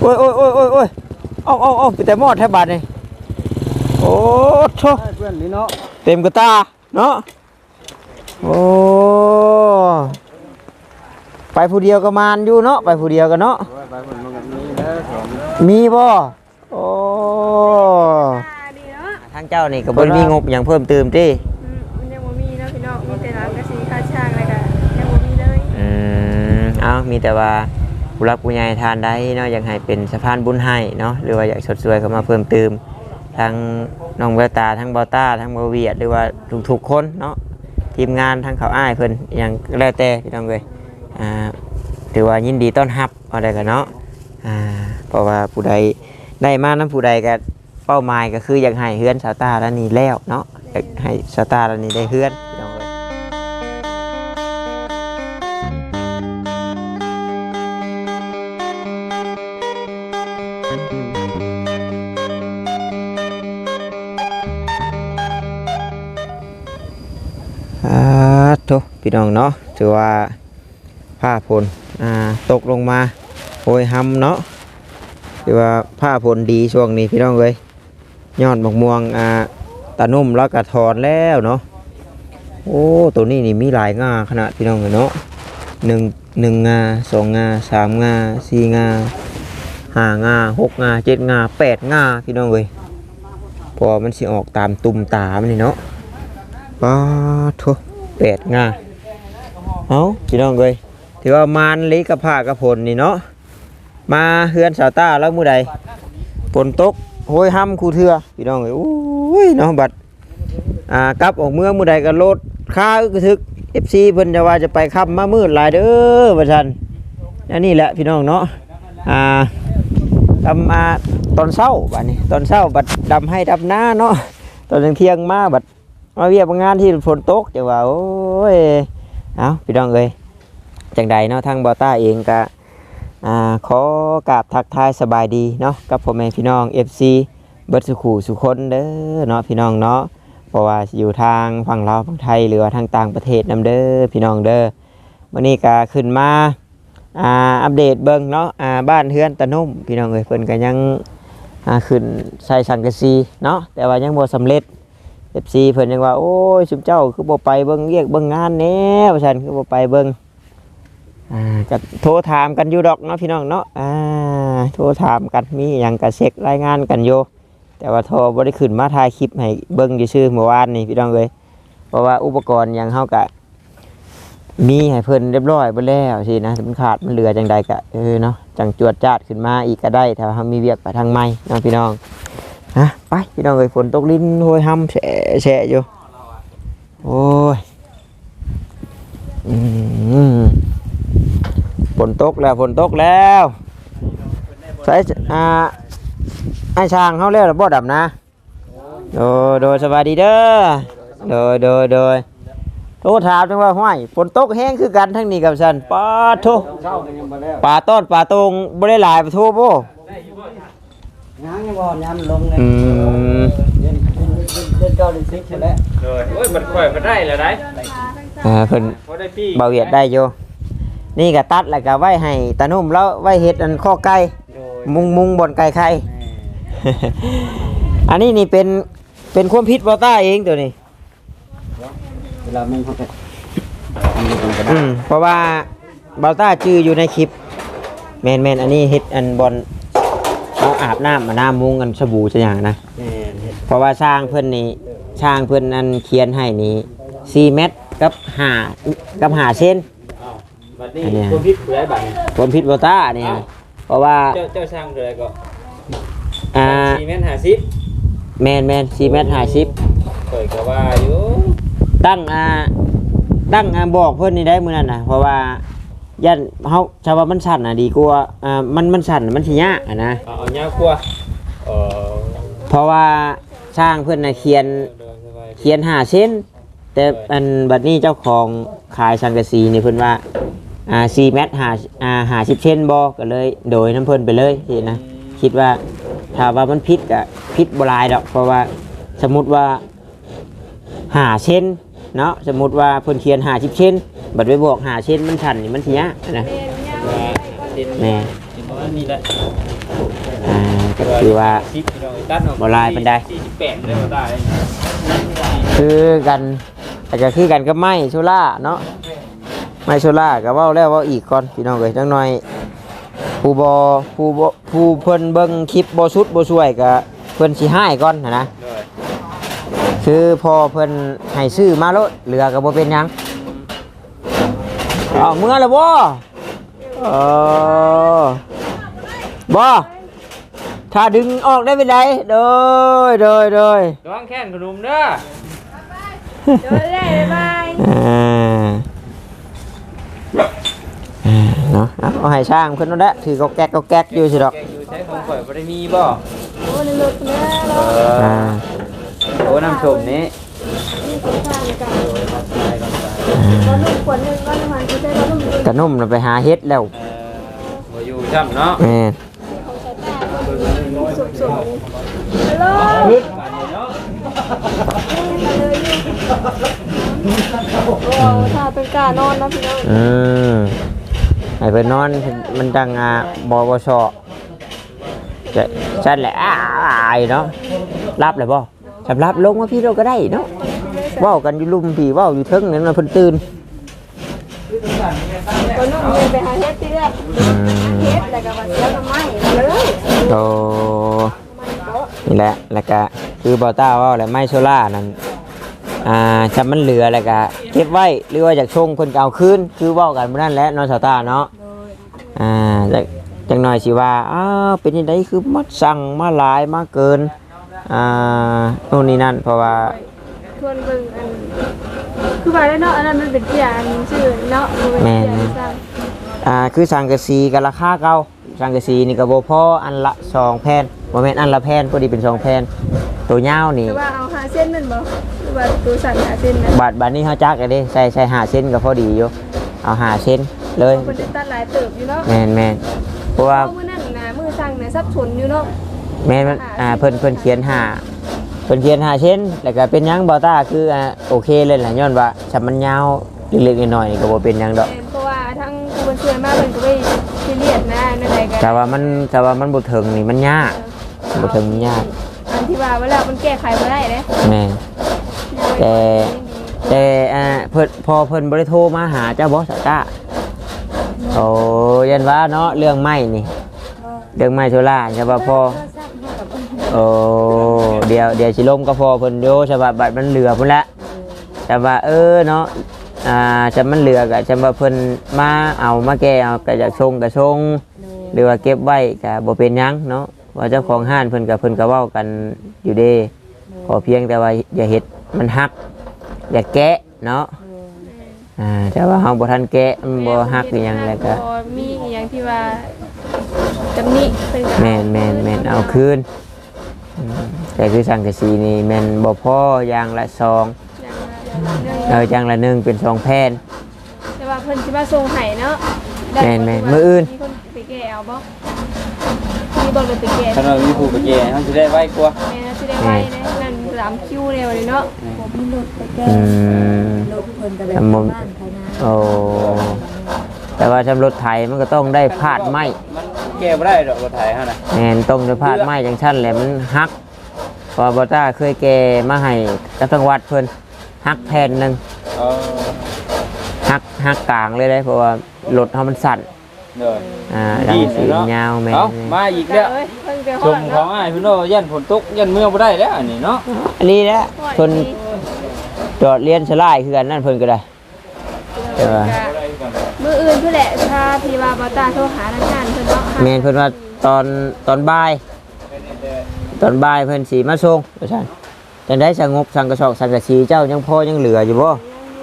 โอ้ยโอ้ยโอ้ยโอ้ยโอ้ยเอาไปแต่หมอดแทบบาดนี่โอ้โธ่เพื่อนนี่เนาะเต็มกระตาเนาะโอ้ไปผู้เดียวก็มานอยู่เนาะไปผู้เดียวกันเนาะไปคนมันมีแล้วสองมีบ่โอ้ทางเจ้านี่ก็บ่มีงบอย่างเพิ่มเติมติมันยังบ่มีเนาะพี่น้องมีแต่ร้านกระสีค่าช่างอะไรกันยังบ่มีเลยเอามีแต่ว่าผู้รักผู้ใหญ่ทานได้เนาะอยากให้เป็นสะพานบุญให้เนาะหรือว่าอยากสดสวยเข้ามาเพิ่มเติมทั้งน้องแววตาทั้งเบาต้าทั้งเบาเวียดหรือว่าทุกๆคนเนาะทีมงานทั้งเขาอ้ายเพิ่นอย่างแล้วแต่พี่น้องเอ้ยถือว่ายินดีต้อนรับเอาได้กันเนาะเพราะว่าผู้ใดได้มานั้นผู้ใดก็เป้าหมายก็คืออยากให้เฮือนสาวตาแล้วนี่แล้วเนาะอยากให้สาวตาแล้วนี่ได้เฮือนพี่น้องเอ้ยโธ่พี่น้องเนาะถือว่าผ้าฝนตกลงมาโหยหำเนาะถือว่าผ้าฝนดีช่วงนี้พี่น้องเลยยอดมะม่วงตานุ่มแล้วก็ถอนแล้วเนาะโอ้ตัวนี้นี่มีหลายงาขนาดพี่น้องเลยเนาะหนึ่งงาสองงาสามงาสี่งาห้างาหกงาเจ็ดงาแปดงาพี่น้องเลยพอมันสิออกตามตุ่มตามันนี่เนาะป้าทุ8 งาเอาพี่น้องเลยถือว่ามานลิกับผ้ากระพลนี่เนาะมาเฮือนสาวต้าแล้วมื้อใดฝนตกโหยห้ำคูเถื่อพี่น้องเลยโอ้ยเนาะบัดกลับออกเมืองมื้อใดก็รถค่าอึกทึก FC เพิ่นจะว่าจะไปค่ำมามืดหลายเด้อว่าซั่นอันนี้แหละพี่น้องเนาะทำตอนเช้าบัดนี้ตอนเช้าบัดดำให้ดำหน้าเนาะตอนเที่ยงมาบัดมาเวียบงานที่ฝนตกจะว่าโอ้ยเอาพี่น้องเลยจังใดเนาะทางบอต้าเองก็ขอกราบทักทายสบายดีเนาะกับพ่อแม่พี่น้อง FC เบิดสุขูสุคนเด้อเนาะพี่น้องเนาะเพราะว่าอยู่ทางฝั่งลาวฝั่งไทยหรือว่าทางต่างประเทศนำเด้อพี่น้องเด้อวันนี้ก็ขึ้นมาอัปเดตเบิ่งเนาะบ้านเฮือนตะนุ่มพี่น้องเอ้ยเพิ่นก็ยังขึ้นใส่สังกะสีเนาะแต่ว่ายังบ่สำเร็จFC เพิ่นยังว่าโอ้ยชุมเจ้าคือบ่ไปเบิ่งเรียกเบิ่งงานแน่ว่าซั่นคือบ่ไปเบิ่งก็โทรถามกันอยู่ดอกเนาะพี่น้องเนาะโทรถามกันมีหยังก็เช็ครายงานกันอยู่แต่ว่าโทรบ่ได้ขึ้นมาถ่ายคลิปให้เบิ่งซื่อๆเมื่อวานนี่พี่น้องเอ้ยเพราะว่าอุปกรณ์หยังเฮาก็มีให้เพิ่นเรียบร้อยเบิดแล้วสินะมันขาดมันเหลือจังใดก็เนาะจังจวดจาดขึ้นมาอีกก็ได้ถ้าเฮามีเวียกไปทางใหม่เนาะพี่น้องไปพี่น้องเอ้ยฝนตกลิ้นโหยห้ำแฉะอยู่โอ้ยฝนตกแล้วใส่ไอ้ช่างเขาเรียกบ่ดับนะโดยสบายดีเด้อโดยโทรถามจังว่าห้วยฝนตกแห้งคือกันทั้งนี้กับฉันปลาโทปลาต้นปลาตรงบ่ได้หลายปลาโทบ่งานยังบ่ยามลงเลยเดินเก้าเดินซิกใช่แล้วโอ้ยมันค่อยมาได้แล้วได้เพิ่นเบาเวียดได้อยู่นี่ก็ตัดแล้วก็ไว้ให้ตานุ่มแล้วไว้เฮ็ดอันข้อไก่มุงบนไก่ไข่ อันนี้นี่เป็นความผิดบอต้าเองตัวนี้เวลามึงเขาไปเพราะว่าบอต้าชื่ออยู่ในคลิปแมนอันนี้เฮ็ดอันบอลเอาอาบน้ำน้ำมุงกันสบู่จะอย่างนะเพราะว่าช่างเพื่อนนี่ช่างเพื่อนอันเขียนให้นี่4 เมตรกับ5 เซนอันนี้ความผิดอะไรบ้างความผิดบอต้านี่เพราะว่าเจ้าช่างอะไรก็4 เมตร 50 แมน4 เมตร 50 เปิดก็ว่าอยู่ตั้งบอกเพื่อนนี่ได้มื้อนั้นนะเพราะว่ายันเขาชาวบ้านมันสั่นดีกว่ามันสั่นมันสิยากนะเอายากกว่าเพราะว่าช่างเพื่อนเขียน5 เซนแต่อันบัดนี้เจ้าของขายสังกะสีนี่เพื่อนว่า4 เมตร50 เซนบอกก็เลยโดยน้ำเพื่อนไปเลยสินะคิดว่าถ้าว่ามันพิษก็พิษบลายดอกเพราะว่าสมมุติว่า5 เซนเนาะสมมุติว่าเพื่อนเขียน50 เซนบัดไปบอก5 เซนมันสั่นนี่มันสิยากนะเห็นแม่เห็นประมาณนี้แหละก็คือว่าสิบพี่น้องตัดออกบ่ลายปานใด 48เลยบ่ได้คือกันอาจจะคือกันกับไม้โซล่าเนาะไม้โซล่าก็เว้าแล้วเว้าอีกก่อนพี่น้องเอ้ยจังหน่อยผู้เพิ่นเบิ่งคลิปบ่สุดบ่ช่วยก็เพิ่นสิให้ก่อนนะโดยคือพอเพิ่นให้ซื้อมาโลดเหลือก็บ่เป็นหยังเอาเมื่อแล้วบ่บ่ถ้าดึงออกได้เป็นไดโดยระวังแค้นขนมเด้อเดี๋ยวได้บ๊ายบายเนาะเอาให้ช่างเพิ่นนั่นแหละถือก็แก๊กอยู่สิดอกแกอยู่ใช้ของข่อยบ่ได้มีบ่โอ้ในรถเนี่ยเราโอ้น้ำชมนี้นี่สงสารกันเราลุ่มขวดหนึ่งก็ประมาณที่ได้เราลุ่มด้วยกระนุ่มน่ะไปหาเฮ็ดแล้วบ่อยู่ช่ำเนาะแม่นของใช้ตาสุกฮัลโหลขึ้นบ้านนี้เนาะโอ้ถ้าเป็นการนอนนะพี่น้องให้เพิ่นนอนมันดังบ่ชอจะซั่นแหละอ้ายเนาะรับเลยบ่สำรับลงมาพี่เราก็ได้เนาะเว้ากันอยู่ลุมพี่เว้าอยู่เทิงนั่นน่ะเพิ่นตื่นก็นุ่มเลยไปหาเฮ็ดที่แรกเฮ็ดแล้วก็มาเสียทำไมเลยโตนี่แหละแล้วก็คือบ่ต้าเว้าแหละไม้โซล่านั่นจำมันเหลือแล้วก็เก็บไว้หรือว่าอยากชงเพิ่นก็เอาคืนคือเว้ากันมื้อนั้นแหละเนาะสาวตาเนาะจังหน่อยสิว่าเป็นจังไดคือมัดสั่งมาหลายมาเกินโน่นนี่นั่นเพราะว่าทวนเบิ่งอันคือว่าได้เนาะอันนั้นมันเป็นเสียอันชื่อเนาะมันเป็นเสียสั่งคือสังกะสีกับราคาเก่าสังกะสีนี่ก็บ่พออันละ2แผ่นบ่แม่นอันละแผ่นพอดีเป็น2แผ่นตัวยาวนี่แต่ว่าเอา5เส้นนั่นบ่หรือว่าตัวสั่น5เส้นนะบาทนี้เฮาจักเด้ใส่5เซนก็พอดีอยู่เอา5เซนเลยเพิ่นจะตัดหลายเติบอยู่เนาะแม่นเพราะว่ามื้อนั้นนะมื้อสั่งน่ะสับสนอยู่เนาะแม่นมันเพิ่นเขียน5เพิ่นเขียน5เซนแล้วก็เป็นหยังบ่ต้าคือโอเคเลยล่ะย้อนว่าถ้ามันยาวเล็กๆน้อยๆนี่ก็บ่เป็นหยังดอกเพราะว่าทั้งผู้บัญชามาเพิ่นก็ไปซีเรียสนะนั่นใดกันแต่ว่ามันบ่ถึงนี่มันยากบ่ถึงมันยากอันที่ว่าเวลามันแก้ไขบ่ได้เด้แม่น แต่เพิ่นบ่ได้โทรมาหาเจ้าบ่สาวต้าโอ้ยันว่าเนาะเรื่องไม้นี่เรื่องไม้โซล่าใช่ป่ะพ่อโอ้เดี๋ยวสิลมก็พอเพิ่นโยใช่ป่ะบัดมันเหลือพุ่นละแต่ว่าเนาะจะมันเหลือก็จะว่าเพิ่นมาเอามาแก้เอาก็อยากชงก็ชงหรือว่าเก็บไว้ก็บ่เป็นหยังเนาะว่าเจ้าของห้านเพิ่นก็เว้ากันอยู่เด้ขอเพียงแต่ว่าอย่าเฮ็ดมันหักอย่าแกะเนาะแต่ว่าเฮาบ่ทันแกะมันบ่หักอีหยังแล้วก็มีอีหยังที่ว่าตำหนิเพิ่นก็แม่นเอาคืนแต่คือสังกะสีนี่แม่นบ่พออย่างละ2อย่างละ1เป็น2แผ่นแต่ว่าเพิ่นสิมาส่งให้เนาะแม่นมื้ออื่นมีคนไปแก้เอาบ่มีบ่เลยไปแก้ถ้าเรามีผู้ไปแย่มันสิได้ไวกว่าแม่สิได้ไว้เด้นั่น3คิวเลยวันนี้เนาะผมมีรถไปแก้ รถเพิ่นก็แบบบ้านไทยนาโอ้แต่ว่าชำรถไถมันก็ต้องได้พาดไม้มันแก้บ่ได้ดอกรถไถเฮาน่ะแม่นต้องได้พาดไม้จังซั่นแหละมันหักพอบ่ต้าเคยแก่มาให้กับทางวัดเพิ่นหักแผ่นนึงเออหักกลางเลยเพราะว่ารถเฮามันสั่นเด้อดังสียาวแม่นเอามาอีกแล้วเอ้ยเพิ่นไปฮชอมดของเนาะอ้ายเพิ่นว่ายันฝนตกยันเมื่อบ่ได้แล้วอันนี้เนาะอันนี้แหละคนจอดเรียนสลายคือกันนั่นเพิ่นก็ได้แต่ว่ามื้ออื่นเพิ่นแหละถ้าพี่ว่าบ่ตาโทรหาทางงานเพิ่นเนาะแม่นเพิ่นว่าตอนบ่ายเพิ่นสิมาส่งว่าซั่นจังได๋สงบสังกะสอกสังกะสีเจ้ายังพอยังเหลืออยู่บ่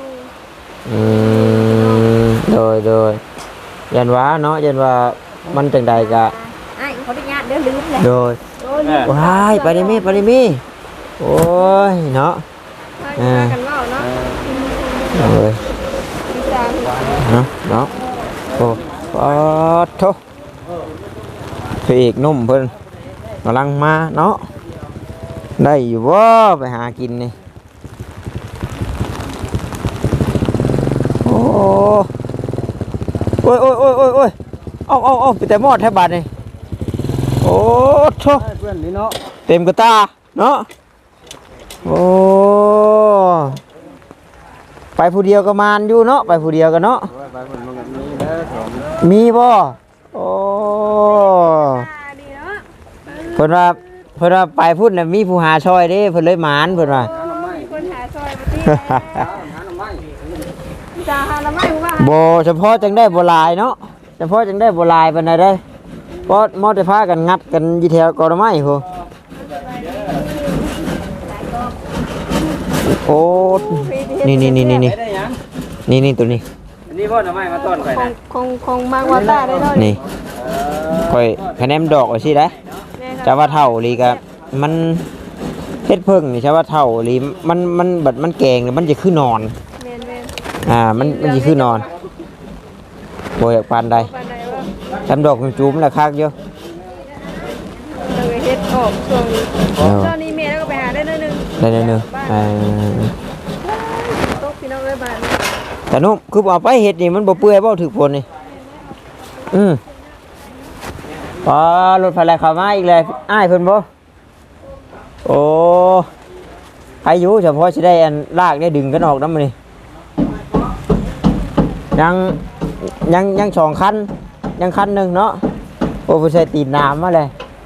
โดยยันว่าเนาะยันว่ามันจังใดก็อ้ายขออนุญาตเดี๋ยวลืมเลยโดยว้ายไปได้มีโอ้ยเนาะว่ากันเว้าเนาะเอ้ยพี่จางเนาะโอ้ปอดโถพระเอกหนุ่มเพิ่นกำลังมาเนาะได้อยู่บ่ไปหากินนี่โอ้ยเอาไปแต่หมอดแทบบาดนี่โอ้โธ่เพื่อนนี่เนาะเต็มกระตาเนาะโอ้ไปผู้เดียวก็มานอยู่เนาะไปผู้เดียวกันเนาะไปเพิ่นมันก็มีแล้วแถมมีบ่โอ้ดีเนาะเพิ่นว่าไปพุ่นน่ะมีผู้หาช่อยเด้เพิ่นเลยหมานเพิ่นว่ามีคนหาซอยมาที่หาหน่อไม้จะหาละไม่ว่าบ่เฉพาะจังได้บ่หลายเนาะเฉพาะจังได้บ่หลายปานใดเด้เพราะมอแต่พากันงัดกันอยู่แถวกอไม้โหโอ้นี่ได้หยังนี่ตัวนี้อันนี้บ่หน่อไม้มาต้อนข่อยนะคงมากว่าตาได้เนาะนี่ค่อยคะแนนดอกว่าสิได้จะว่าเท่าลีก็มันเฮ็ดเพิ่งนี่ใช่ว่าเท่าลีมันบัดมันแกงนี่มันจะคือนอนแม่นมันจะคือนอนบ่อยากปานใดปานใดว่าทำดอกจุ่มๆแล้วคักอยู่เราเฮ็ดออกช่วงนี้ตอนนี้แม่แล้วก็ไปหาได้นิดนึงได้เด้อตกพี่น้องเอ้ยบ้านแต่นุ่มคือเอาไปเฮ็ดนี่มันบ่เปื่อยบ่ถึกผลนี่พอรถไฟไหลเข้ามาอีกเลยอ้ายเพิ่นบ่โอ้อายุเฉพาะสิได้อันลากได้ดึงกันออกนำมื้อนี้ยังสองคันยังคันหนึงเนาะโอ้เพิ่นใส่ตีนน้ำมาเลย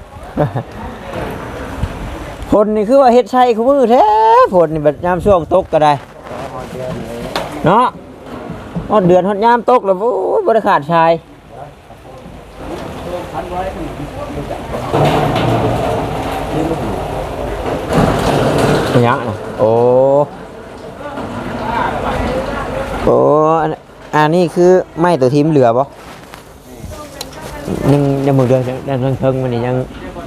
ฝนนี่คือว่าเฮ็ดใช่คือมือแท้ฝนนี่แบบยามช่วงตกก็ได้เนาะฮอดเดือนฮอดยามตกแล้วโอ้ยบ่ได้ขาดชายยังน่ะโอ้อันนี้คือไม้ตัวทีมเหลือบ่ยังมือเดือนยังเทิงมันนี่ยัง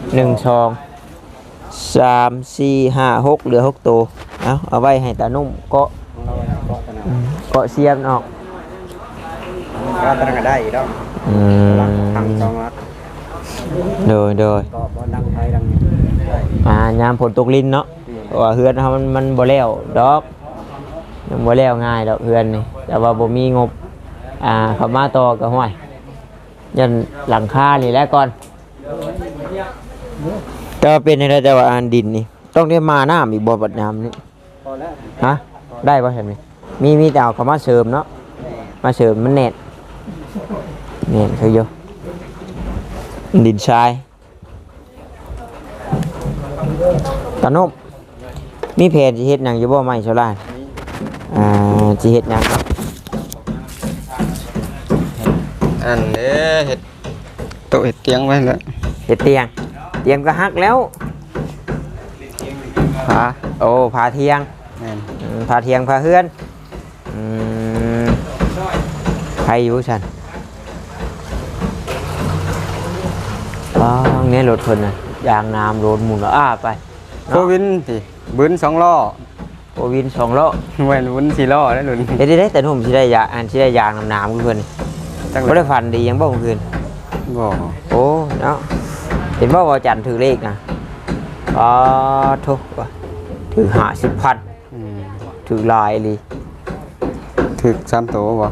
1 2 3 4 5 6เหลือ6ตัวเอาไว้ให้ตานุ่มเกาะเสียมออกก็ตรังก็ได้อีกแล้ว ทำ2นัดโดยก็บ่ดังไฟดังนี้ได้ยามฝนตกลิ้นเนาะเพราะว่าเฮือนเฮามันบ่แล้วดอกยังบ่แล้วง่ายดอกเฮือนนี่แต่ว่าบ่มีงบเข้ามาต่อก็ห้วยยันหลังคานี่แหละก่อนแต่ว่าเป็นจังได๋แต่ว่าอันดินนี่ต้องได้มาน้ำอีกบ่บัดยามนี้พอแล้วฮะได้ป่ะเห็นไหมมีแต่เอาเขามาเสริมเนาะมาเสริมมันเน็ตคือโยดินทรายตานุบมีเพจสิเฮ็ดหยังอยู่บ่ไม่ชาวบ้านสิเฮ็ดหยังอันนี้เห็ดโต๊ะเห็ดเตียงไว้แล้วเฮ็ดเตียงก็ฮักแล้วผาผาเทียงแม่นผาเทียงผาเฮือนใครอยู่ฉันเนี่ยรถเพิ่นน่ะยางน้ำโดนหมุนแล้วไปโควินสิบึน2ล้อโอวิน2ล้อแม่นบึน4ล้อได้หลุนเด้แต่หนุ่มสิได้ยาสิได้ยางน้ำๆเพิ่นจังบ่ได้ฝันดียังบ่เมื่อคืนบ่โอ้เนาะเห็นว่าจันทร์ถือเลขนะทุกว่าถือ50,000ถือลายเลยถึก3ตัวบ่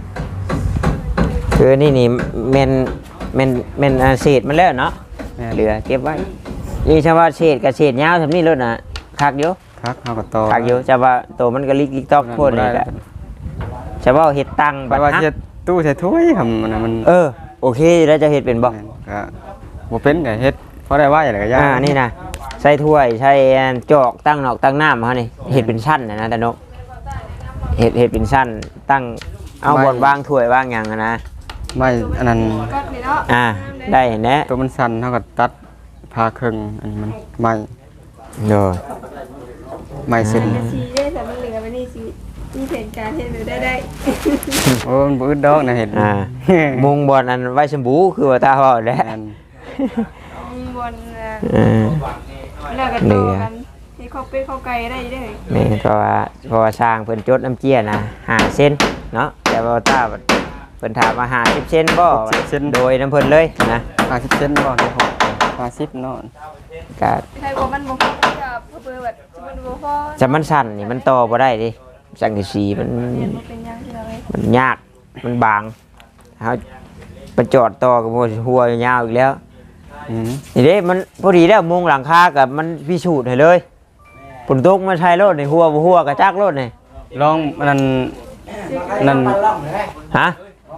คือนี่แม่นเศษมันแล้วเนาะเหลือเก็บไว้นี่ชาวว่าเศษกับเศษยาวทำนี่รถน่ะคักอยู่ครับเฮาก็ต่อคักอยู่ชาวว่าตัวมันก็ลิกตอกโพดนี่แหละชาวว่าเฮ็ดตังไปว่าเฮ็ดตู้ใส่ถ้วยหั่นมันโอเคแล้วจะเฮ็ดเป็นบ่ก็บ่เป็นก็เฮ็ดพอได้ว่าอย่างไรก็ยากนี่นะใส่ถ้วยใส่จอกตั้งนอกตั้งน้ำเขานี่เห็ดเป็นชั้นนะตาโนเห็ดเป็นชั้นตั้งเอาบนวางถ้วยวางอย่างนะไม่อันนั้นก็นี่เนาะได้เห็นแน่ตัวมันสั่นเท่ากับตัดพาครึ่งอันนี้มันไม่โดยไม่เส้นสีได้แต่มันเหลือไปนี่สีมีแผนการเห็นหรือได้โอ้มันบืดดอกนะเห็นมุงบอลอันไว้ชมบูคือว่าตาห่อแล้วอันบนแล้วกันต่อกันให้เขาเป็นเขาไกลได้ได้นี่เพราะว่าสร้างเพิ่นจดน้ำเจี้ยนะ5 เซนเนาะแต่ว่าตาเพิ่นถามว่า50 เซนบ่โดยน้ำเพิ่นเลยนะ 50 เซนบ่ได้50เนาะก็ใครบอกมันบอกกับเพื่อแบบมันบอกพอจะมันสั่นนี่มันต่อบ่ได้ดิสังกะสีมันเป็นยังไงมันยากมันบางเฮาไปจอดต่อกับหัวยาวอีกแล้วอืมนี่เด้มันพอดีแล้วมุงหลังคากับมันพิสูจน์ให้เลยฝนตกมาใช้รถในหัวกระจักรถนี่ลองนั่นนั่นฮะ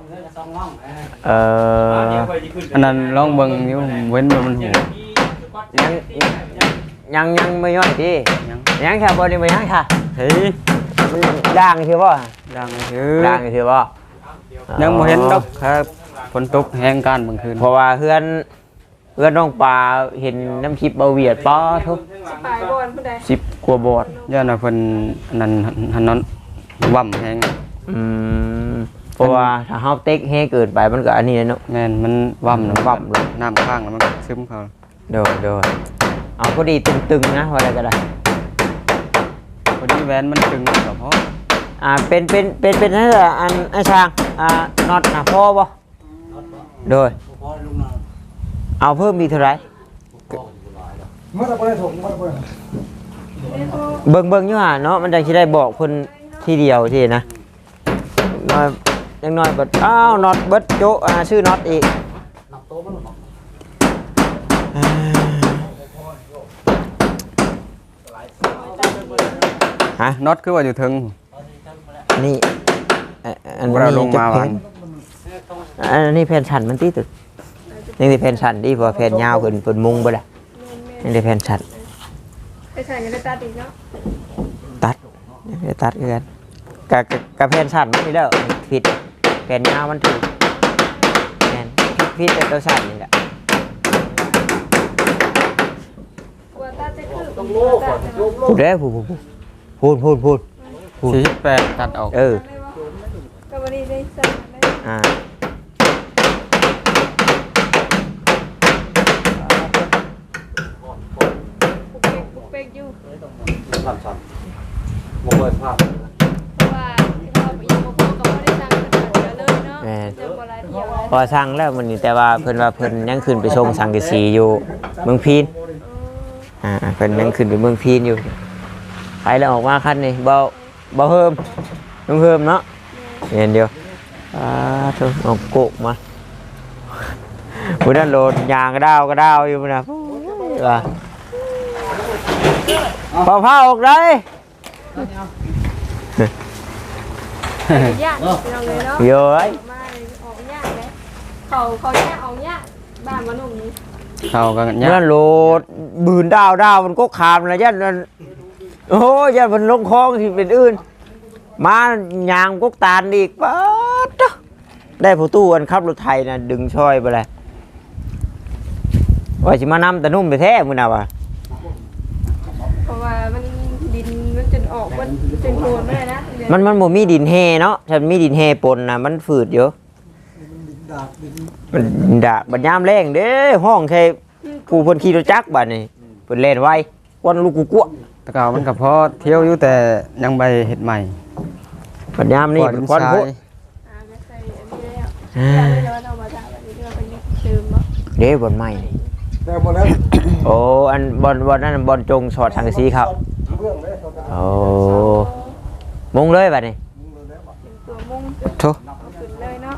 อันนั้นลองเบิ่งนิ้วเว้นมันหูยังไม่ย่อยดิยังยังค่ะบอดี้ไม่ยังค่ะเฮ้ยด่างคือบ่ดังคือด่างคือบ่ยังบ่เห็นดอกครับฝนตกแห้งการเมื่อคืนเพราะว่าเพื่อนน้องปลาเห็นน้ำคลิปเบาเวียดป้อทุกปลายบอลผู้ใด 10 กว่าบอดย่านน่ะเพิ่นอันนั้นหันนั้นว่ำแห้งเพราะว่าถ้าเฮาเต็กแห้เกินไปมันก็อันนี้เนาะแม่นมันว่ำว่ำเลยน้ำข้างแล้วมันก็ซึมเข้าโดยเอาพอดีตึงๆนะว่าอะไรก็ได้พอดีแหวนมันตึงก็พอเป็นนั่นแหละอันไอ้ช่างน็อตนะพ่อบ่โดยเอาเพิ่มอีกเท่าไหร่เบิ่งอยู่ห่าเนาะมันจังสิได้บอกเพิ่นทีเดียวทีนะน้อยยังน้อยเบิดอ้าวน็อตเบิดโจะชื่อน็อตอีกฮะน็อตคือว่าอยู่ถึงนี่อันเราลงมาจะวันอันนี้แผ่นชันมันตีตึกนี่แผ่นชันดีเพราะแผ่นยาวขึ้นเปิดมุงไปละนี่แผ่นชันไปใส่กันได้ตาดีเนาะตัดกันกับแผ่นชันมันนี่แล้วผิดแผ่นยาวมันถูกแผ่นผิดแต่ตัวชันนี่แหละกลัวตาจะคือต้องโลกพูดได้พูด 48ตัดออกก็วันนี้ได้สั่งได้ปุกเป๊กอยู่เพราะว่าที่เราไปยิงโมโหก็ไม่ได้สั่งขนาดเยอะเลยเนาะจะบ่หลายเที่ยวพอสั่งแล้วมันนี่แต่ว่าเพิ่นยังขึ้นไปชมสังกะสีอยู่เมืองพีนเพิ่นยังขึ้นไปเมืองพีนอยู่ไปแล้วออกมาคันนี่เบาเพิ่มต้องเพิ่มเนาะเห็นเดียวทุกเอาโกกมาพุ่นนั่นโหลดยางกระด้าวอยู่พุ่นน่ะว่าพอผ้าออกได้ยากเราเลยเนาะเยอะมาออกยากเลยเขาแยกออกยากบ้านมันหนุ่มนี้เข้ากันนั่นโหลดบืนดาวมันก็ขามนะยันนั่นโอ้ยันมันลงคลองที่เป็นอื่นมายางก็ตาลอีกป๊าดได้ผู้ตู้อันขับรถไทยนะดึงช่อยไปเลยว่าสิมานำแต่นุ่มไปแท้มึงน่ะวะเพราะว่ามันดินมันจนออกมันจนโคลนไม่ได้นะมันบ่มีดินแห่เนาะฉันมีดินแห่ปนนะมันฝืดอยู่มันดากบัดยามแรงเด้ห้องแค่กูเพิ่นขี่รถจักรบัดนี่เพิ่นเล่นไววันลูกกูกัวตะเกามันก็พอเที่ยวอยู่แต่ยังไปเฮ็ดใหม่บัดยามนี่เป็นควันโพดก็ใส่อันนี้แล้วอยากเลยว่าเรามาจากแบบนี้เราไปยึดเติมเนาะเด้บนไม้นี่โอ้อันบอลนั่นบอลจงสอดทางสีครับโอ้มุงเลยบัดนี้ตัวมุ้งโธ่ขึ้นเลยเนาะ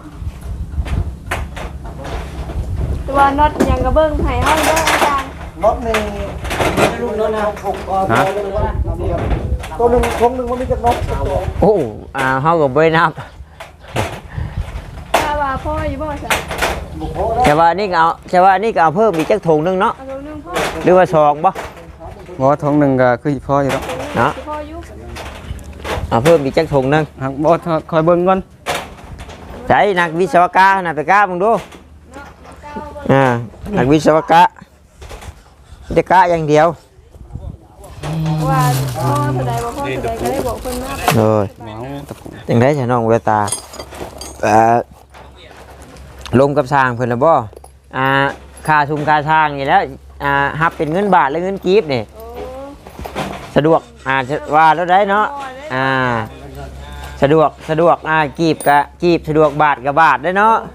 ตัวน็อตยังกระเบื้องไผ่ห้องเด้ออาจารย์รถนี่รุ่นรถนะผมตัวหนึ่งคงหนึ่งมันมีจักรถโอ้เฮาก็บ่ได้นับถ้าว่าพ่ออยู่บ่จ้ะแต่ว่านี่ก็เอาเพิ่มอีกจักถุงนึงเนาะเอาตัวนึงพ่อหรือว่าสองบ่บ่ท้องหนึงก็คือพออยู่แล้วเนาะพ่ออยู่เอาเพิ่มอีกจักถุงนึงหักบ่คอยเบิ่งก่อนใจนักวิศวกรน่ะไปกล้ามึงดูเนาะก้าวบ่นักวิศวกรจะกะอย่างเดียวว่าพ่อแสดงว่าพ่อแสดงก็ได้บอกคนมากเลยหมอตะกุจังได๋ฉันน้องเวตาลงกับสร้างเพิ่นละบ่ค่าชุมค่าช่างนี่แล้วรับเป็นเงินบาทหรือเงินกีบนี่โอ้สะดวกว่าแล้วได้เนาะสะดวกกีบกับกีบสะดวกบาทกับบาทได้เนาะ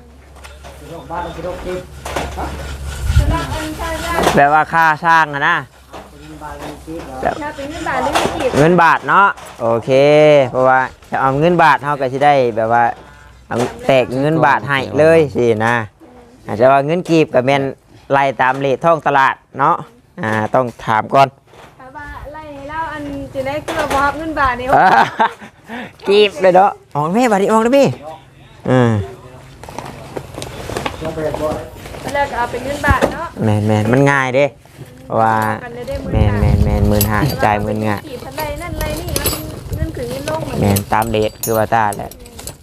สำหรับอันชาญาแปลว่าค่าสร้างอะนะถ้าเป็นเงินบาทหรือเงินกีบเงินบาทเนาะโอเคเพราะว่าจะเอาเงินบาทเฮาก็สิได้แบบว่าเอาแตกเงินบาทให้เลยสินะอาจจะว่าเงินกีบกับแม่นไล่ตามเรทท้องตลาดเนาะต้องถามก่อนถ้าว่าไล่ให้เราอันจะได้คือว่าบ่รับเงินบาทนี่กีบเลยเนาะออกแม่บาทนี้ออกเลยพี่แล้วก็เอาเป็นเงินบาทเนาะแมนมันง่ายเด้เพราะว่ากันได้แมน15,000จ่าย15,000ง่ายกี่พันใดนั่นไรนี่มันเงินขึ้นเงินลงเหมือนแมนตามเรทคือว่าตาแหละ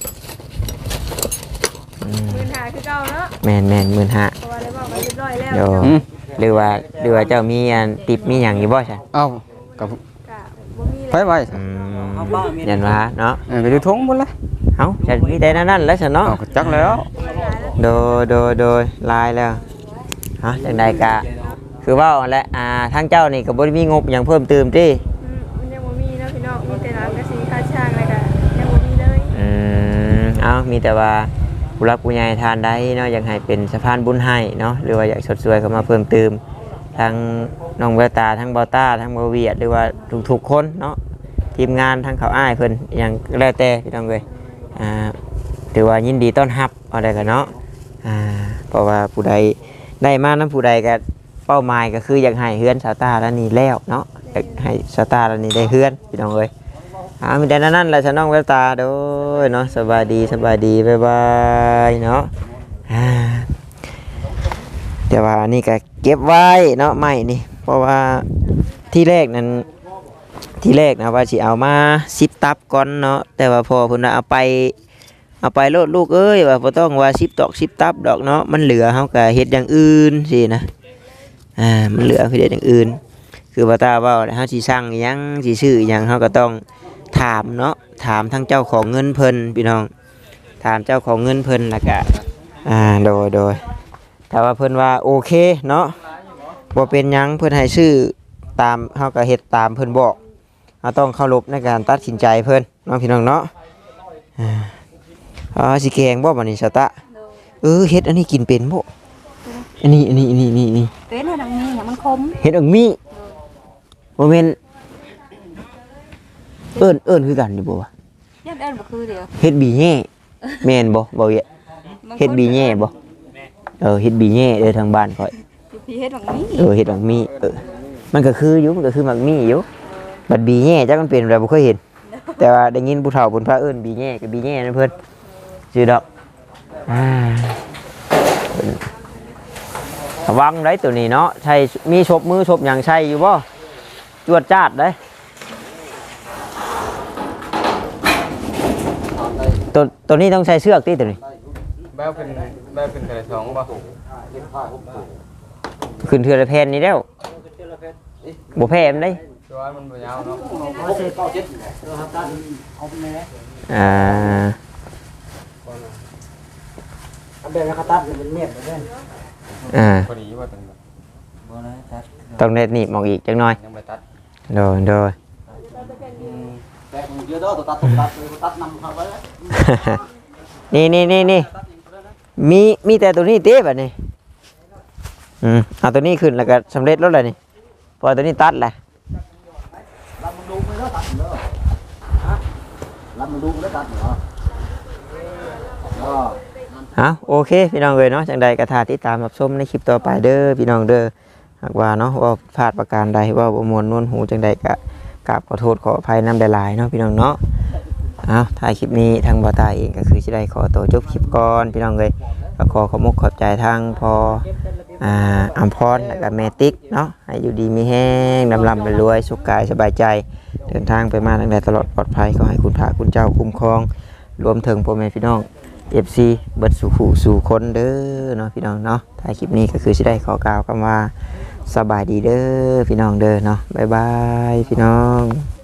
15,000คือเก่าเนาะแมน15,000 เพราะว่าได้บอกกันเรียบร้อยแล้วโดหรือว่าเจ้ามีอันติปมีอย่างอยู่บ่ใช่เอ้ากับก็บ่มีไปไว้ยันว่าเนาะไปดูทงหมดเลยเอ้าฉันมีแต่นั่นแล้วฉันเนาะเอาก็จักแล้วโดยลายแล้วฮะจังใดกะคือว่าแหละทางเจ้านี่ก็บ่ได้มีงบอย่างเพิ่มเติมติมันยังบ่มีเนาะพี่น้องมีแต่ร้านกระสีค่าช่างอะไรก็ยังบ่มีเลยเอามีแต่ว่าผู้รักผู้ใหญ่ทานได้เนาะอยากให้เป็นสะพานบุญให้เนาะหรือว่าอยากสดสวยเข้ามาเพิ่มเติมทั้งน้องแววตาทั้งเบาต้าทั้งเบาเวียดหรือว่าทุกๆคนเนาะทีมงานทั้งเขาอ้ายเพิ่นอย่างแล้วแต่พี่น้องเอ้ยถือว่ายินดีต้อนรับเอาได้กันเนาะเพราะว่าผู้ใดได้มานั้นผู้ใดก็เป้าหมายก็คืออยากให้เฮือนสาวตาแล้วนี่แล้วเนาะอยากให้สาวตาแล้วนี่ได้เฮือนพี่น้องเอ้ยมีแต่นั่นแหละฉันน้องแววตาโดยเนาะสบายดีบ๊ายบายเนาะเดี๋ยวว่านี่ก็เก็บไว้เนาะไม่นี่เพราะว่าที่แรกนะว่าสิเอามา10 ตับก่อนเนาะแต่ว่าพอเพิ่นเอาไปโลดลูกเอ้ยว่าบ่ต้องว่า10 ตอก10 ตับดอกเนาะมันเหลือเฮาก็เฮ็ดอย่างอื่นสินะมันเหลือเฮ็ดอย่างอื่นคือว่าตาเว้าเฮาสิสั่งหยังสิซื้อหยังเฮาก็ต้องถามเนาะถามทั้งเจ้าของเงินเพิ่นพี่น้องถามเจ้าของเงินเพิ่นแล้วก็โดยถ้าว่าเพิ่นว่าโอเคเนาะบ่เป็นหยังเพิ่นให้ซื้อตามเฮาก็เฮ็ดตามเพิ่นบอกเราต้องเคารพในการตัดสินใจเพิ่นน้องพี่น้องเนาะสิแกงบ่บัดนี้สตะเฮ็ดอันนี้กินเป็นบ่อันนี้เป็นให้ดังนี้มันคมเฮ็ดอังมีบ่แม่นเอิ้นคือกันนี่บ่วะยัดเอิ้นบ่คือเดียวเฮ็ดบีแย่แม่นบ่เวียเฮ็ดบีแย่บ่เฮ็ดบีแย่เด้อทางบ้านข่อยพี่เฮ็ดบักนี้เฮ็ดบักมีมันก็คืออยู่มันก็คือบักมีอยู่บัดบีแย่จักมันเป็นอะไรบ่เคยเห็นแต่ว่าได้ยินผู้เฒ่าเพิ่นพาเอิ้นบีแย่กับบีแย่นั่นเพิ่นชื่อดอกระวังได้ตัวนี้เนาะใช่มีชบมือชบหยังใช่อยู่บ่จวดจ้าดได้ตัวนี้ต้องใช้เชือกติตัวนี้แบ้วเป็นอะไรสองป่ะขึ้นเทือละแผ่นนี่แล้วบ่แพ้มันได้ตัวมันบ่ยาวเนาะเดี๋ยวเขาตัดเป็นเมียบไปเด้อพอดีว่าต้องได้หนีบออกอีกจังหน่อยยังไม่ตัดโดยแต่เยอะตัวตัดนำเขาไว้แล้วนี่มีแต่ตัวนี้เต้แบบนี้เอาตัวนี้ขึ้นแล้วก็สำเร็จแล้วเลยนี่พอตัวนี้ตัดแหละรับมันดูไม่ได้ตัดเหรอรับมันดูไม่ได้ตัดเหรอโอเคพี่น้องเลยเนาะจังใดกระทาที่ตามรับชมในคลิปต่อไปเด้อพี่น้องเด้อหากว่าเนาะว่าพลาดประการใดว่าบ่มวนนวลหูจังใดก็กราบขอโทษขออภัยนำหลายๆเนาะพี่น้องเนาะถ่ายคลิปนี้ทางบ่าวตาเองก็คือสิได้ขอตัวจบคลิปก่อนพี่น้องเลยก็ขอขอบใจทางพออัมพรและก็แม่ติ๊กเนาะให้อยู่ดีมีแห้งลำไปรวยสุขกายสบายใจเดินทางไปมาทางใดตลอดปลอดภัยขอให้คุณพระคุณเจ้าคุ้มครองรวมถึงพ่อแม่พี่น้องFC เบิดสู่คนเด้อเนาะพี่น้องเนาะถ่ายคลิปนี้ก็คือสิได้ขอกล่าวคำว่าสบายดีเด้อพี่น้องเด้อเนาะบ๊ายบายพี่น้อง